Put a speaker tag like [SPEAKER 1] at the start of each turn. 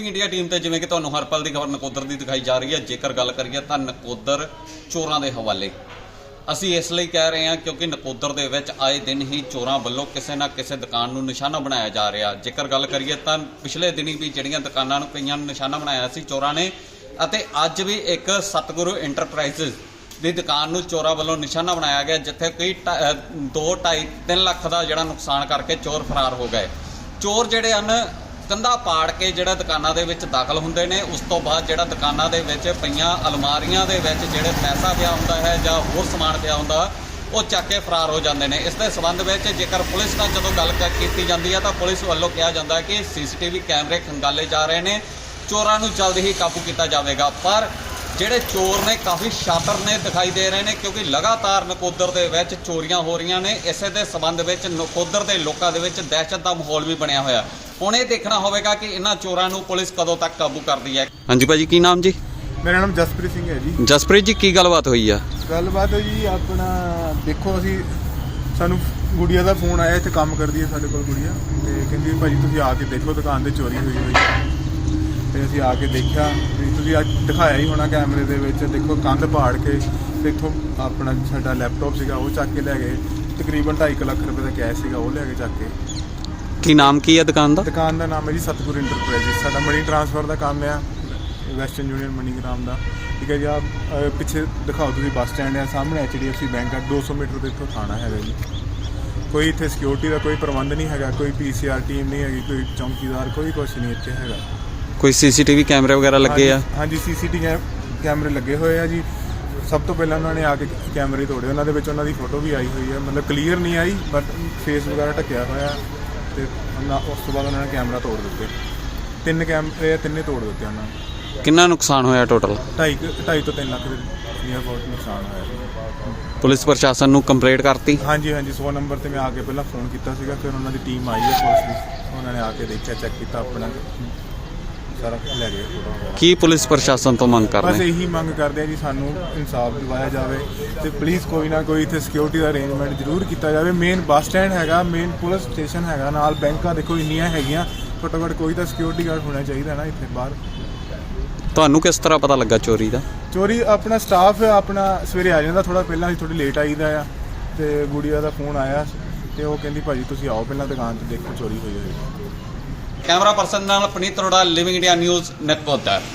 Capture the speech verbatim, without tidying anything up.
[SPEAKER 1] India team ते जिवें कि तुहानूं हर पल की खबर नकोदर की दिखाई जा रही है। जेकर गल करिए तां नकोदर चोरां दे हवाले ਅਸੀਂ ਇਸ ਲਈ ਕਹਿ ਰਹੇ ਹਾਂ क्योंकि नकोदर ਦੇ ਵਿੱਚ ਆਏ ਦਿਨ ਹੀ ਚੋਰਾਂ ਵੱਲੋਂ ਕਿਸੇ ਨਾ ਕਿਸੇ ਦੁਕਾਨ ਨੂੰ ਨਿਸ਼ਾਨਾ ਬਣਾਇਆ ਜਾ ਰਿਹਾ। ਜੇਕਰ ਗੱਲ ਕਰੀਏ ਤਾਂ ਪਿਛਲੇ ਦਿਨੀ ਵੀ ਜਿਹੜੀਆਂ ਦੁਕਾਨਾਂ ਨੂੰ ਕਈਆਂ ਨੂੰ ਨਿਸ਼ਾਨਾ ਬਣਾਇਆ ਸੀ ਚੋਰਾਂ ਨੇ, ਅਤੇ ਅੱਜ ਵੀ ਇੱਕ ਸਤਿਗੁਰੂ ਇੰਟਰਪ੍ਰਾਈਜ਼ਸ ਦੀ ਦੁਕਾਨ ਨੂੰ ਚੋਰਾਂ ਵੱਲੋਂ ਨਿਸ਼ਾਨਾ ਬਣਾਇਆ ਗਿਆ, ਜਿੱਥੇ ਕੋਈ ਦੋ ਢਾਈ ਤਿੰਨ ਲੱਖ ਦਾ ਜਿਹੜਾ ਨੁਕਸਾਨ ਕਰਕੇ ਚੋਰ ਫਰਾਰ ਹੋ ਗਏ। ਚੋਰ ਜਿਹੜੇ ਹਨ ਕੰਧਾਂ ਪਾੜ ਕੇ ਜਿਹੜਾ ਦੁਕਾਨਾਂ ਦੇ ਵਿੱਚ ਦਾਖਲ ਹੁੰਦੇ ਨੇ, ਉਸ ਤੋਂ ਬਾਅਦ ਜਿਹੜਾ ਦੁਕਾਨਾਂ ਦੇ ਵਿੱਚ ਪਈਆਂ ਅਲਮਾਰੀਆਂ ਦੇ ਵਿੱਚ ਜਿਹੜੇ ਪੈਸਾ ਪਿਆ ਹੁੰਦਾ ਹੈ ਜਾਂ ਹੋਰ ਸਮਾਨ ਪਿਆ ਹੁੰਦਾ ਉਹ ਚੱਕ ਕੇ ਫਰਾਰ ਹੋ ਜਾਂਦੇ ਨੇ। ਇਸ ਦੇ ਸੰਬੰਧ ਵਿੱਚ ਜੇਕਰ ਪੁਲਿਸ ਨਾਲ ਜਦੋਂ ਗੱਲ ਕੀਤੀ ਜਾਂਦੀ ਹੈ ਤਾਂ ਪੁਲਿਸ ਵੱਲੋਂ ਕਿਹਾ ਜਾਂਦਾ ਕਿ ਸੀਸੀਟੀਵੀ ਕੈਮਰੇ ਖੰਗਾਲੇ ਜਾ ਰਹੇ ਨੇ, ਚੋਰਾਂ ਨੂੰ ਜਲਦ ਹੀ ਕਾਬੂ ਕੀਤਾ ਜਾਵੇਗਾ। ਪਰ ਜਿਹੜੇ ਚੋਰ ਨੇ ਕਾਫੀ ਸ਼ਾਤਰ ਨੇ ਦਿਖਾਈ ਦੇ ਰਹੇ ਨੇ, ਕਿਉਂਕਿ ਲਗਾਤਾਰ ਨਕੋਦਰ ਦੇ ਵਿੱਚ ਚੋਰੀਆਂ ਹੋ ਰਹੀਆਂ ਨੇ। ਇਸੇ ਦੇ ਸੰਬੰਧ ਵਿੱਚ ਨਕੋਦਰ ਦੇ ਲੋਕਾਂ ਦੇ ਵਿੱਚ ਦਹਿਸ਼ਤ ਦਾ ਮਾਹੌਲ ਵੀ ਬਣਿਆ ਹੋਇਆ। ਹੁਣ ਇਹ ਦੇਖਣਾ ਹੋਵੇਗਾ ਕਿ ਇਹਨਾਂ ਚੋਰਾਂ ਨੂੰ ਪੁਲਿਸ ਕਦੋਂ ਤੱਕ ਕਾਬੂ ਕਰਦੀ ਹੈ। ਹਾਂਜੀ ਭਾਜੀ, ਕੀ ਨਾਮ ਜੀ?
[SPEAKER 2] ਮੇਰਾ ਨਾਮ ਜਸਪ੍ਰੀਤ ਸਿੰਘ ਹੈ ਜੀ।
[SPEAKER 1] ਜਸਪ੍ਰੀਤ ਜੀ, ਕੀ ਗੱਲਬਾਤ ਹੋਈ ਆ?
[SPEAKER 2] ਗੱਲਬਾਤ ਜੀ ਆਪਣਾ ਦੇਖੋ, ਅਸੀਂ ਸਾਨੂੰ ਗੁੜੀਆ ਦਾ ਫੋਨ ਆਇਆ, ਇੱਥੇ ਕੰਮ ਕਰਦੀ ਹੈ ਸਾਡੇ ਕੋਲ ਗੁੜੀਆ, ਤੇ ਕਹਿੰਦੀ ਭਾਜੀ ਤੁਸੀਂ ਆ ਕੇ ਦੇਖੋ ਦੁਕਾਨ ਤੇ ਚੋਰੀ ਹੋਈ ਹੋਈ ਹੈ। ਤੇ ਅਸੀਂ ਆ ਕੇ ਦੇਖਿਆ, ਵੀ ਤੁਸੀਂ ਅੱਜ ਦਿਖਾਇਆ ਹੀ ਹੋਣਾ ਕੈਮਰੇ ਦੇ ਵਿੱਚ, ਦੇਖੋ ਕੰਧ ਪਾੜ ਕੇ ਤੇ ਇੱਥੋਂ ਆਪਣਾ ਸਾਡਾ ਲੈਪਟਾਪ ਸੀਗਾ ਉਹ ਚੱਕ ਕੇ ਲੈ ਗਏ। ਤਕਰੀਬਨ ਢਾਈ ਕੁ ਲੱਖ ਰੁਪਏ ਦਾ ਕੈਸ਼ ਸੀਗਾ ਉਹ ਲੈ ਕੇ ਚੱਕ ਕੇ।
[SPEAKER 1] ਕੀ ਨਾਮ ਕੀ ਹੈ ਦੁਕਾਨ ਦਾ?
[SPEAKER 2] ਦੁਕਾਨ ਦਾ ਨਾਮ ਹੈ ਜੀ ਸਤਿਗੁਰੂ ਇੰਟਰਪ੍ਰਾਈਜ਼ਸ। ਸਾਡਾ ਮਨੀ ਟ੍ਰਾਂਸਫਰ ਦਾ ਕੰਮ ਆ, ਵੈਸਟਰਨ ਯੂਨੀਅਨ ਮਨੀਗ੍ਰਾਮ ਦਾ, ਠੀਕ ਹੈ ਜੀ। ਆ ਪਿੱਛੇ ਦਿਖਾਓ ਤੁਸੀਂ, ਬੱਸ ਸਟੈਂਡ ਹੈ, ਸਾਹਮਣੇ H D F C bank ਆ, ਦੋ ਸੌ ਮੀਟਰ ਦੇ ਇੱਥੋਂ ਥਾਣਾ ਹੈਗਾ ਜੀ। ਕੋਈ ਇੱਥੇ ਸਿਕਿਉਰਿਟੀ ਦਾ ਕੋਈ ਪ੍ਰਬੰਧ ਨਹੀਂ ਹੈਗਾ, ਕੋਈ ਪੀ ਸੀ ਆਰ ਟੀਮ ਨਹੀਂ ਹੈਗੀ, ਕੋਈ ਚੌਂਕੀਦਾਰ, ਕੋਈ ਕੁਛ ਨਹੀਂ ਇੱਥੇ ਹੈਗਾ।
[SPEAKER 1] ਕੋਈ ਸੀਸੀਟੀਵੀ ਕੈਮਰੇ ਵਗੈਰਾ ਲੱਗੇ ਆ?
[SPEAKER 2] ਹਾਂਜੀ, ਸੀਸੀਟੀਵੀ ਕੈਮਰੇ ਲੱਗੇ ਹੋਏ ਆ ਜੀ। ਸਭ ਤੋਂ ਪਹਿਲਾਂ ਉਹਨਾਂ ਨੇ ਆ ਕੇ ਕੈਮਰੇ ਤੋੜੇ, ਉਹਨਾਂ ਦੇ ਵਿੱਚ ਉਹਨਾਂ ਦੀ ਫੋਟੋ ਵੀ ਆਈ ਹੋਈ ਹੈ, ਮਤਲਬ ਕਲੀਅਰ ਨਹੀਂ ਆਈ ਬਟ ਫੇਸ ਵਗੈਰਾ ਢੱਕਿਆ ਹੋਇਆ। ਤੇ ਉਸ ਤੋਂ ਬਾਅਦ ਉਹਨਾਂ ਨੇ ਕੈਮਰਾ ਤੋੜ ਦਿੱਤੇ, ਤਿੰਨ ਕੈਮਰੇ ਤਿੰਨੇ ਤੋੜ ਦਿੱਤੇ ਉਹਨਾਂ ਨੇ।
[SPEAKER 1] ਕਿੰਨਾ ਨੁਕਸਾਨ ਹੋਇਆ ਟੋਟਲ?
[SPEAKER 2] ਢਾਈ ਢਾਈ ਤੋਂ ਤਿੰਨ ਲੱਖ ਦੇ ਨੀਅਰ ਅਬਾਊਟ ਨੁਕਸਾਨ ਹੋਇਆ।
[SPEAKER 1] ਪੁਲਿਸ ਪ੍ਰਸ਼ਾਸਨ ਨੂੰ ਕੰਪਲੇਂਟ ਕਰਤੀ?
[SPEAKER 2] ਹਾਂਜੀ ਹਾਂਜੀ, ਸੌ ਨੰਬਰ ਤੇ ਮੈਂ ਆ ਕੇ ਪਹਿਲਾਂ ਫੋਨ ਕੀਤਾ ਸੀਗਾ, ਫਿਰ ਉਹਨਾਂ ਦੀ ਟੀਮ ਆਈ ਹੈ ਪੁਲਿਸ ਦੀ, ਉਹਨਾਂ ਨੇ ਆ ਕੇ ਦੇਖਿਆ, ਚੈੱਕ ਕੀਤਾ, ਆਪਣਾ ਸਾਰਾ ਲੈ ਗਏ ਫੋਟੋ ਵਗੈਰਾ।
[SPEAKER 1] ਕੀ ਪੁਲਿਸ ਪ੍ਰਸ਼ਾਸਨ ਤੋਂ ਮੰਗ ਕਰਦੇ?
[SPEAKER 2] ਬਸ ਇਹੀ ਮੰਗ ਕਰਦੇ ਆ ਜੀ, ਸਾਨੂੰ ਇਨਸਾਫ ਦਿਵਾਇਆ ਜਾਵੇ ਤੇ ਪਲੀਜ਼ ਕੋਈ ਨਾ ਕੋਈ ਇੱਥੇ ਸਿਕਿਉਰਿਟੀ ਦਾ ਅਰੇਂਜਮੈਂਟ ਜ਼ਰੂਰ ਕੀਤਾ ਜਾਵੇ। ਮੇਨ ਬੱਸ ਸਟੈਂਡ ਹੈਗਾ, ਮੇਨ ਪੁਲਿਸ ਸਟੇਸ਼ਨ ਹੈਗਾ, ਨਾਲ ਬੈਂਕਾਂ ਦੇਖੋ ਇੰਨੀਆਂ ਹੈਗੀਆਂ, ਘੱਟੋ ਘੱਟ ਕੋਈ ਤਾਂ ਸਿਕਿਉਰਿਟੀ ਗਾਰਡ ਹੋਣਾ ਚਾਹੀਦਾ ਨਾ ਇੱਥੇ ਬਾਹਰ।
[SPEAKER 1] ਤੁਹਾਨੂੰ ਕਿਸ ਤਰ੍ਹਾਂ ਪਤਾ ਲੱਗਾ ਚੋਰੀ ਦਾ?
[SPEAKER 2] ਚੋਰੀ ਆਪਣਾ ਸਟਾਫ ਆਪਣਾ ਸਵੇਰੇ ਆ ਜਾਂਦਾ, ਥੋੜਾ ਪਹਿਲਾਂ ਅਸੀਂ ਥੋੜੀ ਲੇਟ ਆਈਦਾ ਆ, ਤੇ ਗੁੜੀਆ ਦਾ ਫੋਨ ਆਇਆ ਤੇ ਉਹ ਕਹਿੰਦੀ ਭਾਜੀ ਤੁਸੀਂ ਆਓ ਪਹਿਲਾਂ ਦੁਕਾਨ ਤੇ ਦੇਖੋ ਚੋਰੀ ਹੋਈ ਹੋਈ।
[SPEAKER 1] ਕੈਮਰਾ ਪਰਸਨ ਨਾਲ Puneet Arora, living India news, Nakodar.